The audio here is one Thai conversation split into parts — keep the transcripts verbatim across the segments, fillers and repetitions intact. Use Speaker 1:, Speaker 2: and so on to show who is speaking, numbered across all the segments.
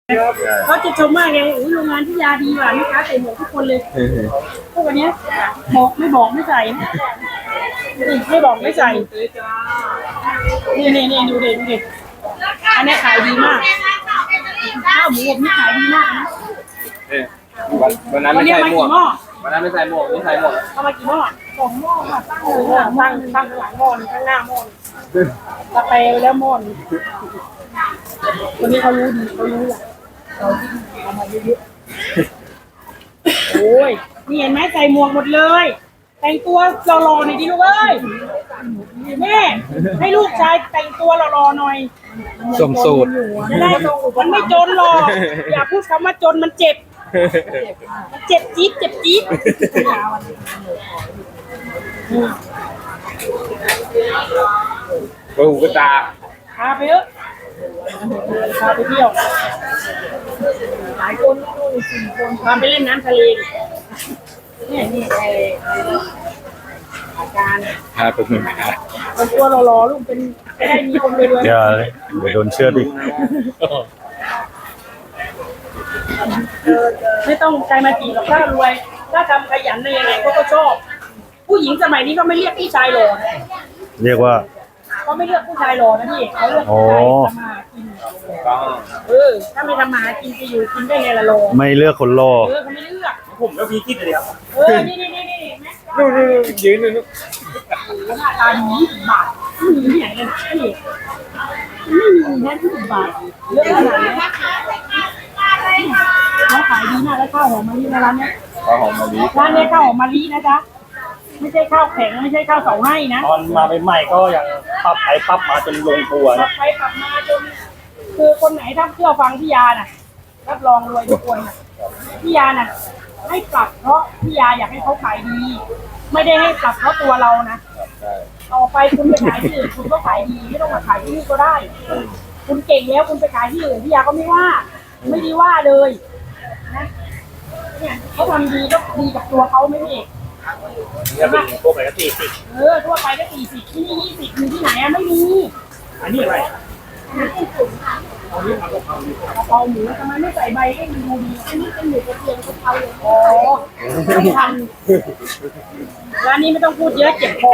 Speaker 1: เขาจะชมมากเลยโรงงานที่ยาดีว่ะลูกค้าใส่หมวกทุกคนเลยพวกอันเนี้ยบอกไม่บอกไม่ใส่ไม่บอกไม่ใส่นี่นี่นี่ดูเด็ดดูเด็ดอันนี้ขายดีมากข้าวหมูอบนี่ขายดีมากนะ
Speaker 2: วันนั้นไม่ใส่หมวกวันนั้นไม่ใส่หมวกนี่ใส่หมวก
Speaker 1: เอามากี่หม้อสองหม้อค่ะตั้งเลยตั้งตั้งหลังหม้อข้างหน้าหม้อตะเปไปแล้วหม้อคนนี้เขารู้ดีเขารู้แหละเราที่เอามาเยอะๆโอ้ยนี่เห็นไหมใส่หมวกหมดเลยแต่งตัวหล่อๆหน่อยดิลูกเอ้ยแม่ให้ลูกชายแต่งตัวหล่อๆหน่อย
Speaker 2: สมสูตร
Speaker 1: จะได้มันไม่จนหรอกอย่าพูดคำว่าจนมันเจ็บมันเจ็บจี๊ดเจ็บจี๊ด
Speaker 2: กระหูกระตา
Speaker 1: พาไปเถอะพาไปเที่ยวหลายคนก็ดูสี่คนพาไปเล่นน้ำทะเลนี่นี่ไอ้อาการ
Speaker 2: พาไปเมือง
Speaker 1: เป็นตัวรอๆลูกเป็นไม่ได้มีคนเลยด้วย
Speaker 3: อย่าเลยเดี๋ยวโดนเชื่อดิ
Speaker 1: ไม่ต้องใจมาจีบกับถ้ารวยถ้าทำขยันในยังไงเขาก็ชอบผู้หญิงสมัยนี้ก็ไม่เรียกผู้ชายหล่อนะ
Speaker 3: เรียกว่า
Speaker 1: เขาไม่เลือกผู้ชายหล่อนะพี่เขาเลือกผู้ชายทำมาหากินเออถ้าไม่ทำมาหากินจะอยู่กินได้ไงล่ะหล่อ
Speaker 3: ไม่เลือกคนหล่อ
Speaker 1: เออเขาไม่เลือก
Speaker 2: ผมก็พีคิดเลยครับ
Speaker 1: เออนี่นี่นี่นี่
Speaker 2: ดูดูยืนดูดู
Speaker 1: หน้าตาดียี่สิบบาทไม่มีที่ไหนเลยพี่ไม่มีแค่ยี่สิบบาทเยอะขนาดนี้แล้วขายดีมากแล้วข้าวหอมมะลิในร้านเนี้ย
Speaker 2: ข้าวหอมมะลิ
Speaker 1: ร้านนี้ข้าวหอมมะลินะจ๊ะไม่ใช่ข้าวแข็งไม่ใช่ข้าวเสาให้นะ
Speaker 4: ตอนมาใหม่ๆก็ยังปรับไปปรับมาจนลงตัว
Speaker 1: ปรับไปปรับมาจนคือคนไหนถ้าเชื่อฟังพี่ยาน่ะรับรองรวยทุกคนน่ะพี่ยาน่ะให้ปรับเพราะพี่ยาอยากให้เขาขายดีไม่ได้ให้ปรับเพราะตัวเรานะต่อไปคุณไปขายที่อื่นคุณก็ขายดีไม่ต้องมาขายที่นี่ก็ได้คุณเก่งแล้วคุณไปขายที่อื่นพี่ยาก็ไม่ว่าไม่ดีว่าเลยนะเนี่ยเขาทำดีก็ดีกับตัวเขาไม่เอง
Speaker 4: เนี่ยเป็นพวกอะไรก็สี่สิบ
Speaker 1: เออทั่วไปก็สี่สิบที่นี่ยี่สิบมีที่ไหนอะไม่มี
Speaker 4: อันนี้อะไร
Speaker 1: เอานี้เอากะเพรากะเพราหมูทำไมไม่ใส่ใบให้มันดูดีอันนี้เป็นหมูกระเทียมกะเพราเลยอ๋อไม่ทันร้านนี้ไม่ต้องพูดเยอะเจ็บคอ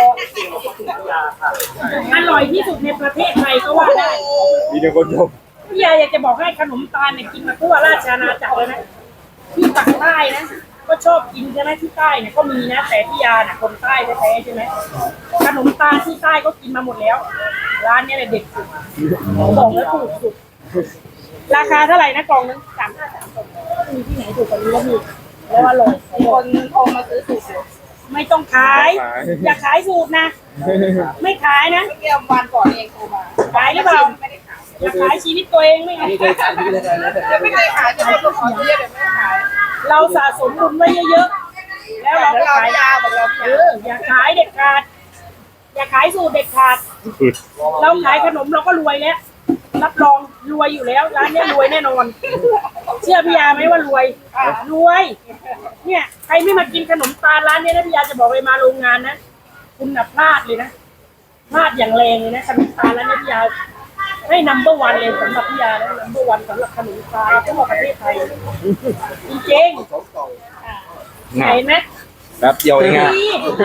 Speaker 1: อร่อยที่สุดในประเทศไทยก็ว่าได้
Speaker 2: มีแต่คนชม
Speaker 1: พี่ยาอยากจะบอกให้ขนมตาลเนี่ยกินมาทั่วราชอาณาจักรเลยนะที่ปากใต้นะก็ชอบกินใช่ไหมที่ใต้เนี่ยก็มีนะแต่พี่ยาน่ะคนใต้แท้ๆใช่ไหมขนมตาลที่ใต้ก็กินมาหมดแล้วร้านนี้แหละเด็ดสุดบอกแล้วถูกสุดราคาเท่าไหร่นะกล่องนึงสามห้าสามกล่องมีที่ไหนถูกกว่านี้ก็มีแล้วอร่อยคนโทรมาซื้อสูตรไม่ต้องขายอย่าขายสูตรนะไม่ขายนะเมื่อวันก่อนเองโทรมาขายหรือเปล่าจะขายชีวิตตัวเองไม่ไงไม่เคยขายไม่เคยขายจะไม่ต้องขอเยอะเดี๋ยวไม่ขายเราสะสมบุญไว้เยอะๆแล้วเราก็ขายยาแบบเราเอออย่าขายเด็ดขาดอย่าขายสูตรเด็ดขาดเราขายขนมเราก็รวยแล้วรับรองรวยอยู่แล้วร้านนี้รวยแน่นอนเชื่อพี่ยาไหมว่ารวยรวยเนี่ยใครไม่มากินขนมตาลร้านนี้นะพี่ยาจะบอกเลยมาโรงงานนะคุณน่ะพลาดเลยนะพลาดอย่างแรงเลยนะขนมตาลร้านนี้พี่ยาให้นัมเบอร์วันเลยสำหรับพี่ยาแล้วนัมเบอร์วันสำหรับขนมตาลทั้งหมดประเทศไทยจริงๆเห็นไหม
Speaker 2: แป๊บเดียวเองอ่ะ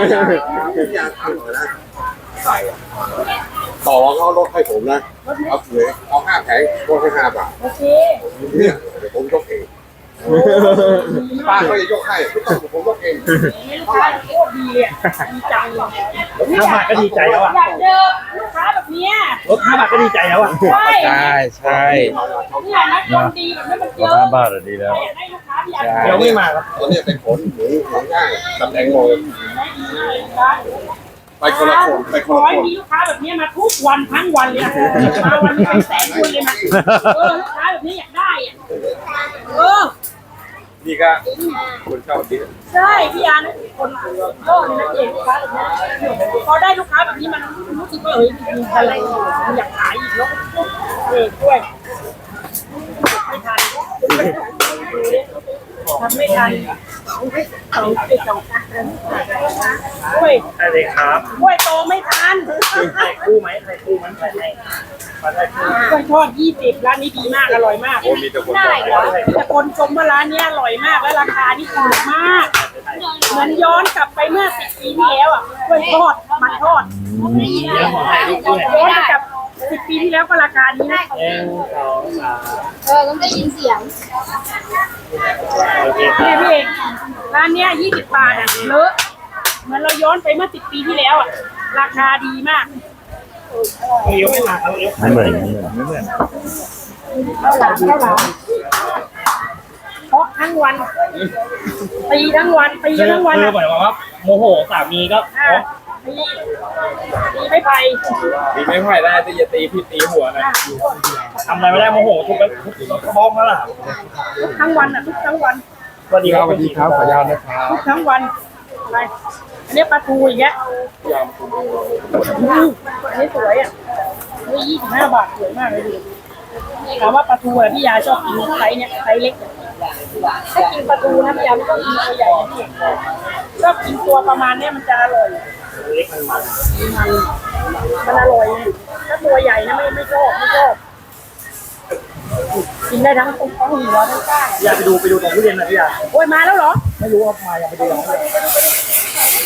Speaker 5: ต่อเขาลดให้ผมนะเอาเลยเอาห้าแผงลดให้ห้าบาท
Speaker 1: โอเค
Speaker 5: เนี่ยเดี๋ยวผมยกเองป้าเขาจะยกให้ไม่ต้องผมยกเอง
Speaker 1: ลูกค้าโคตรดีเลยดีจังเลย
Speaker 4: ห้าบาทก็ดีใจแล้วอ่ะ
Speaker 1: อยากเจอลูกค้าแบบนี้
Speaker 4: ลดห้าบาทก็ดีใจแล้วอ่ะ
Speaker 1: ใช่
Speaker 2: ใช่ใช่
Speaker 1: เนี่ยนะคนดีแบบนี้มันเยอะ
Speaker 3: ห้าบาทดีแล้ว
Speaker 1: ให้ลูกค้าอยาก
Speaker 4: เดี๋ยวไม่มาครับ
Speaker 5: ตัวนี้เป็นผลหมูหมูย่างตำแหน่งโมยไปคนละคนไปคนละคน
Speaker 1: มีลูกค้าแบบนี้มาทุกวันทั้งวันเลยมาวันนี้เป็นแสนคนเลยนะเออลูกค้าแบบนี้อยากได้อ่ะเออ
Speaker 2: นี่ก็คนชอบดิ
Speaker 1: ใช่พี่ยานะคนก็เลยนะเองลูกค้าแบบนี้พอได้ลูกค้าแบบนี้มันรู้สึกว่าเฮ้ยมีพลังอยากขายอีกแล้วเออด้วยไม่ทันทำไม่ทันเขาไปสองกันด้วย
Speaker 4: ใช่เลยครับ
Speaker 1: ด้วยโตไม่ทัน
Speaker 4: ใครคู่ไหมใครคู่มันใครให้
Speaker 1: กล้วยทอดยี่สิบร้านนี้ดีมากอร่อยมาก
Speaker 2: โอ้มีแต่คนบอกเลย
Speaker 1: แต่คนชมว่าร้านนี้อร่อยมากและราคาที่ถูกมาก เหมือนย้อนกลับไปเมื่อสิบปีที่แล้วอ่ะกล้วยทอดมันทอดย้อนกลับสิบปีที่แล้วก็ราคานี้นะ
Speaker 4: หนึ่งสองสาม
Speaker 6: เออต้องได้ยินเสียง
Speaker 4: โอเคค
Speaker 1: เนี่ย
Speaker 4: รับ
Speaker 1: พี่เอกร้านเนี้ยยี่สิบบาทอ่ะเลอะเหมือนเราย้อนไปเมื่อสิบปีที่แล้วอ่ะราคาดีมาก
Speaker 4: เลี้ยวไม่มาเอาเลี้ยว
Speaker 3: ไม่เหมือนไม่เหมือน
Speaker 1: เท่าหลังเท่าหลังเพราะทั้งวันตีทั้งวันตี
Speaker 4: คือ
Speaker 1: ทั้งวัน
Speaker 4: คือ
Speaker 1: อ่ะ
Speaker 4: เหมือนว่าโมโหสามีก็
Speaker 1: อ่ะตีตีไม่ไป
Speaker 2: ตีไม่ค่อยได้แต่อย่าตีพี่ตีหัวนะ
Speaker 4: ทำอะไรไม่ได้โมโหทุบไปทุบกระบอกนั่นแหละ
Speaker 1: ทุกทั้งวันอ่ะทุกทั้งวัน
Speaker 4: สวัสดีครับ
Speaker 5: สวัสดีครับขออนุญาตนะครับ
Speaker 1: ทุกทั้งวันอะไรอันนี้ปลาทูอย่างเงี้ยอืมอันนี้สวยอ่ะนี่ยี่สิบห้าบาทสวยมากเลยดูถามว่าปลาทูอ่ะพี่ยาชอบกินไซส์เนี้ยไซส์เล็กถ้ากินปลาทูนะพี่ยาไม่ต้องกินตัวใหญ่นะพี่ชอบกินตัวประมาณเนี้ยมันจะอร่อย
Speaker 4: เล็กมันมัน
Speaker 1: มันมันอร่อยไงถ้าตัวใหญ่นะไม่ไม่ชอบไม่ชอบกินได้ทั้งตรงทั้งหัวทั้งก้าง
Speaker 4: อยากไปดูไปดูตรงทุเรียนหน่อยพี่อยาก
Speaker 1: โอ้ยมาแล้วเหรอ
Speaker 4: ไม่รู้ว่ามาอยากไปดูตรงทุเรียน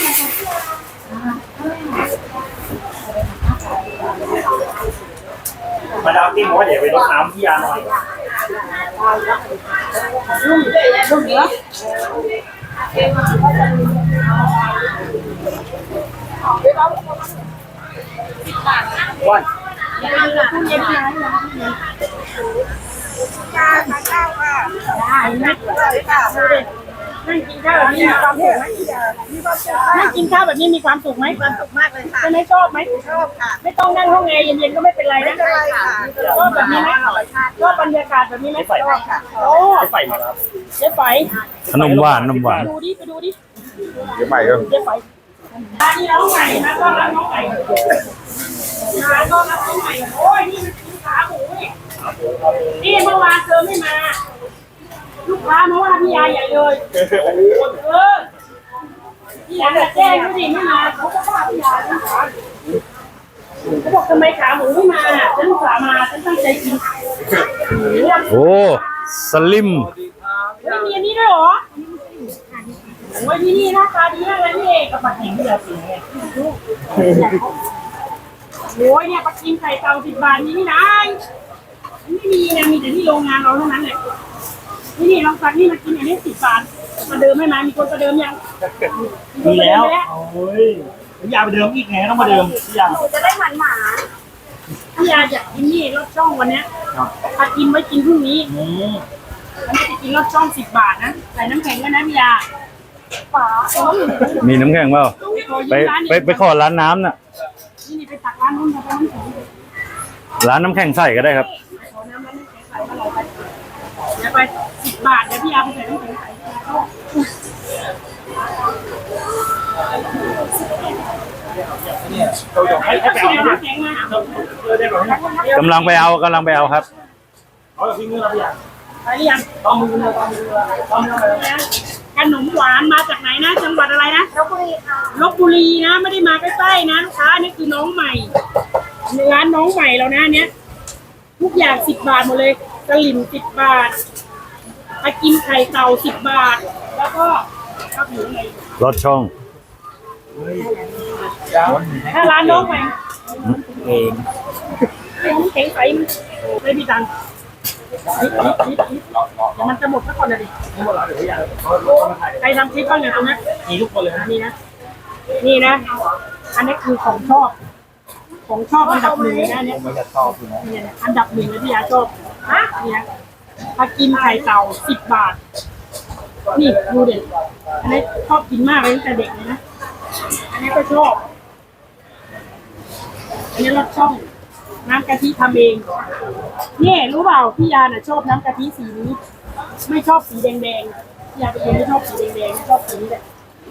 Speaker 4: มาดามติ้งบอกว่าเดี๋ยวไปรดน้ำพี่ยาหน่อย
Speaker 1: ลุ่มลุ่มเหรอ
Speaker 4: วัน
Speaker 1: ตู้เย็นไหมได้ไหมดูดินั่งกินข้าวแบบนี้มีความสุขไหมนั่งกินข้าวแบบนี้มีความสุขไหมความสุขมากเลยค่ะจะไม่ชอบไหมชอบค่ะไม่ต้องนั่งห้องแอร์เย็นๆก็ไม่เป็นไรนะชอบแบบนี้ไหมชอบบรรยากาศแบบนี้ไหมชอบค่ะโอ้
Speaker 4: จะใส่มาแล้ว
Speaker 1: เจ๊ไฝ
Speaker 3: ขนมหวานขนมหวาน
Speaker 1: ดูดิไปดูดิ
Speaker 5: เดี๋ยวใหม่ครับ
Speaker 1: เจ๊ไฝร้านนี้น้องใหม่นะต้อนรับน้องใหม่ร้านต้อนรับน้องใหม่โอ้ยนี่มันกินขาหมูนี่นี่เมื่อวานเธอไม่มา ลูกค้ามาว่าพี่ยาใหญ่เลยเออพี่ยาจะแจ้งไม่ดีไม่มาเขาก็ว่าพี่ยาทั้งขาเขาบอกทำไมขาหมูไม่มาฉันสามาฉันตั้งใจกิน
Speaker 3: โอ้สลิม
Speaker 1: เฮ้ยมีอันนี้ด้วยเหรอโอ้ยที่นี่หน้าตาดีมากเลยพี่เอกกับปลาแข็งเดือดสีไงโอ้ยเนี่ยปลากิมไข่เต่าสิบบาทนี่นี่นะไม่มีนะมีแต่ที่โรงงานเราเท่านั้นแหละนี่นี่ลองสั่งนี่มากินอันนี้สิบบาทประเดิมให้มามีคนประเดิมยัง
Speaker 4: มีแล้วโอ้ยพี่ยาไปเดิมอีกไงต้องมาเดิมพี่ยา
Speaker 6: จะได้หมันหมา
Speaker 1: พี่ยาอยากกินนี่รสช่องวันเนี้ยถ้ากินไว้กินพรุ่งนี้
Speaker 4: อืม
Speaker 1: อันนี้จะกินรสช่องสิบบาทนะใส่น้ำแข็งก็นะพี่ยาฝาเออ
Speaker 3: มีน้ำแข็งเปล่าไปไปไปขอร้านน้ำน่ะ
Speaker 1: นี่นี่ไปตักร้านนู้นไปน้ำแข็ง
Speaker 3: ร้านน้ำแข็งใส่ก็ได้ครับ
Speaker 1: ขอน้ำร้านน้ำแข็งใส่มาเลยไปเดี๋ยวไปสิบบาทเดี๋ยวพี่ยาไปใส่น้ำแข็งใส่เข้า
Speaker 4: ให้ให้ไปเอา
Speaker 1: น้ำ
Speaker 4: เนี่ย
Speaker 1: แข็งมา
Speaker 4: เออได้แบบนี้
Speaker 3: กำลังไปเอากำลังไปเอาครับ
Speaker 4: เอาแบบพี่มือเราพี่ยา
Speaker 1: ไปหรือยัง
Speaker 4: ต้องมือเราต้องมือเราต้องมือเรา
Speaker 1: ขนมหวานมาจากไหนนะจังหวัดอะไรนะ
Speaker 6: ลพบุรีค่ะ
Speaker 1: ลบบุรีนะไม่ได้มาใกล้ๆนะลูกค้านี่คือน้องใหม่ร้านน้องใหม่เรานะเนี้ยทุกอย่างสิบบาทหมดเลยกระหลิ่มสิบบาทไปกินไข่เต่าสิบบาท แล้วก็ข้าวหมูไง
Speaker 3: รถช่อง
Speaker 1: ถ้าร้านน้องใหม่
Speaker 4: เอง
Speaker 1: น้ำแข็งใสมันไม่มีตังค์นิดนิดนิดนิดเดี๋ยวมันจะหมดซะก่อนเลยดิ
Speaker 4: ทั้งหมดแล้วเดี๋ยวพี่ยา
Speaker 1: ใครทำคลิปบ้างเนี่ยตรงนี้
Speaker 4: มีทุกคนเลยนะ
Speaker 1: นี่นะนี่นะ อันนี้คือของชอบ ของชอบอันดับหนึ่งเลยนะเนี่ย
Speaker 4: มันจะชอบอยู่นะ
Speaker 1: เนี่ยนะอันดับหนึ่งเลยที่ยาชอบฮะเนี่ยถ้ากินไข่เต่าสิบบาท นี่ดูเด็ดอันนี้ชอบกินมากเลยตั้งแต่เด็กเลยนะ อันนี้ก็ชอบ อันนี้รสช่อง น้ำกะทิทำเองนี่รู้เปล่าพี่ยาน่ะชอบน้ำกะทิสีนี้ ไม่ชอบสีแดงๆพี่ยาไปเองไม่ชอบสีแดงๆชอบสีนี้แหละ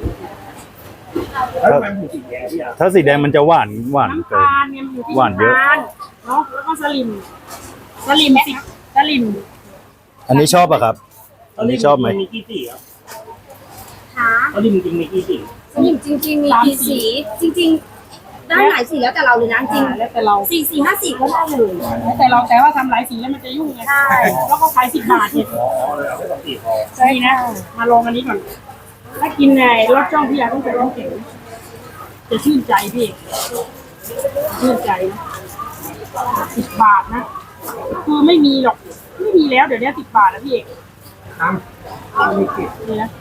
Speaker 4: แล้วทำไมผมสีแดงพี่ยา
Speaker 3: ถ้าสีแดงมันจะหวานหวาน
Speaker 1: น้ำ
Speaker 3: เกิน
Speaker 1: ตาลเนี่ยมันอยู่ที่
Speaker 3: หวานเยอะ
Speaker 1: ำตาลเนาะแล้วก็สลิม สลิมสิสลิม
Speaker 3: อันนี้ชอบอะครับ อันนี้ชอบไหม
Speaker 4: มีกี่สีครับ
Speaker 6: หา
Speaker 4: ตอนนี้จริงๆมีกี่สี
Speaker 6: สลิมจริง ๆ มีกี่สี จริงได้หลายสีแล้วแต่เราเลยนะจริง
Speaker 1: แล้วแต่เรา
Speaker 6: สี่สี่ห้าสี่ก็ได้เลย
Speaker 1: แล้วแต่เราแต่ว่าทำหลายสีแล้วมันจะยุ่งไง
Speaker 6: ใช่
Speaker 1: แล้วก็ขายสิบบาทเนี่ย
Speaker 4: อ๋อเลยเอาไปสองสี่พอ
Speaker 1: ใช่นะ มาลองอันนี้ก่อน ถ้ากินในรสช่องพี่ยาต้องใส่น้ำแข็งจะชื่นใจพี่ชื่นใจนะสิบบาทนะ คือไม่มีหรอก ไม่มีแล้วเดี๋ยวนี้สิบบาทแล้วพี่เอกนี่นะ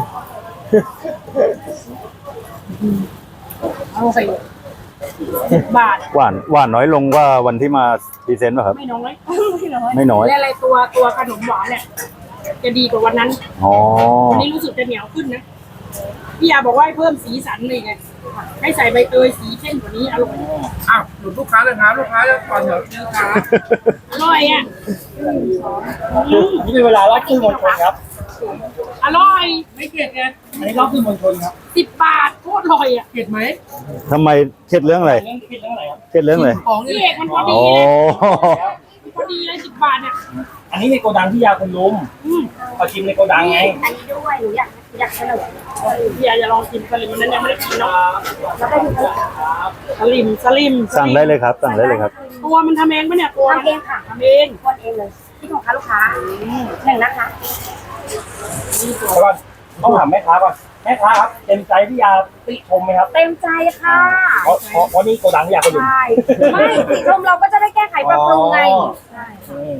Speaker 1: เอาใส่สิบบาท
Speaker 3: หวานหวานน้อยลงกว่าวันที่มาพรีเซนต์ป่ะครับ
Speaker 1: ไม่น้อย ไม่น้อย
Speaker 3: ไม่น้อย
Speaker 1: และอะไรตัวตัวขนมหวานเนี่ย จะดีกว่าวันนั้น
Speaker 3: อ๋อ
Speaker 1: วันนี้รู้สึกจะเหนียวขึ้นนะ พี่ยาบอกว่าให้เพิ่มสีสันเลยไง ให้ใส่ใบเตยสีเข้มกว่านี้อร่อย
Speaker 2: อ้าวหลุดลูกค้าเลยครับลูกค้าจะก่อนเถอะลูกค้า
Speaker 1: อร่อยอ่ะอืม
Speaker 4: อันนี้เป็นเวลารอบสื่อมวลชนครับ
Speaker 1: อร่อย ไม่เผ็ดไง
Speaker 4: อันนี้รอบสื่อมวลชนครับ
Speaker 1: สิบบาทโคตรอร่อยอ่ะ
Speaker 2: เผ็ดไหม
Speaker 3: ทำไมเครียดเรื่องอะไร
Speaker 4: เรื่องคิดเรื่องอะไรครับ
Speaker 3: เครียดเรื่องอะไร
Speaker 2: ของ
Speaker 1: พี่
Speaker 2: นี่
Speaker 1: เอกมันพอดี
Speaker 3: โอ้
Speaker 1: เลยมันพอดีเลยสิบบาทเนี่ย
Speaker 4: อันนี้ในโกดังที่ยาคุณลุม
Speaker 1: อืม
Speaker 4: ขอชิมในโกดังไง
Speaker 6: อันนี้ด้วยหนูอยากอยากเฉลย
Speaker 1: พี่ยาจะลองกินสลิมมันนั้นยังไม่ได้กินเนาะ
Speaker 6: แล้วก็ดูเถอะ
Speaker 1: สลิมสลิม
Speaker 3: สั่งได้เลยครับ สั่งได้เลยครับ
Speaker 1: ตัวมันทำเองปะเนี่ยตัว
Speaker 6: ทำเองค่ะ
Speaker 1: ทำเอง
Speaker 6: คนเองเลยที่ของค้าลูกค้าหนึ่งนะคะ
Speaker 4: แล้วก่อนต้องถามแม่ค้าก่อนแม่ค้าครับเต็มใจที่ยาติชมไหมครับ
Speaker 6: เต็มใจค่ะ
Speaker 4: เพราะเพราะเพราะนี่โกดังที่ยาคุณลุม
Speaker 6: ใช่ไม่สีชมเราก็จะได้แก้ไขปรับปรุงไง
Speaker 4: อ๋อ
Speaker 6: ใช่
Speaker 4: อืม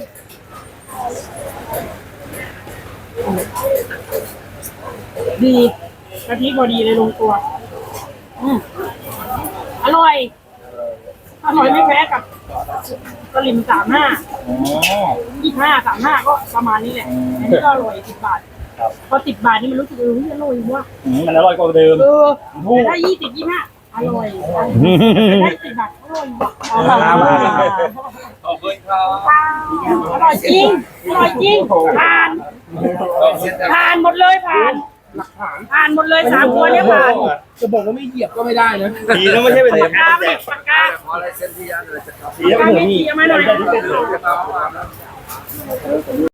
Speaker 1: ดีกะทิพอดีเลยลงตัว อืมอร่อย อร่อยไม่แพ้กับสลิมสามห้า
Speaker 4: อ๋อ
Speaker 1: ยี่ห้าสามห้าก็ประมาณนี้แหละ
Speaker 4: อืม
Speaker 1: อันนี้ก็อร่อยสิบบาท
Speaker 4: ครับ
Speaker 1: พอสิบบาทนี่มันรู้สึกเอออร่อยว่ะ
Speaker 4: อืมมันอร่อยกว่าเดิม
Speaker 1: เออแต่ถ้ายี่สิบยี่ห้าอร่อยได้สิบบาทอร่อยว่ะอร่อย
Speaker 2: ขอบคุณครับ
Speaker 1: อร่อยจริงอร่อยจริงผ่านผ่านหมดเลยผ่านผ่านหมดเลยสามตัวเนี่ยผ่าน
Speaker 2: จะบอกว่าไม่เหยียบก็ไม่ได้นะ
Speaker 4: ดีนะไม่ใช่เป็น
Speaker 1: ปากกาไปปากกา
Speaker 2: ขออะไรเส้นที่ยันเลยจะครับ
Speaker 4: ดีนะเป็นหมูนี่
Speaker 1: ปากกาไม่เทียมมาหน่อย
Speaker 2: จะเอามา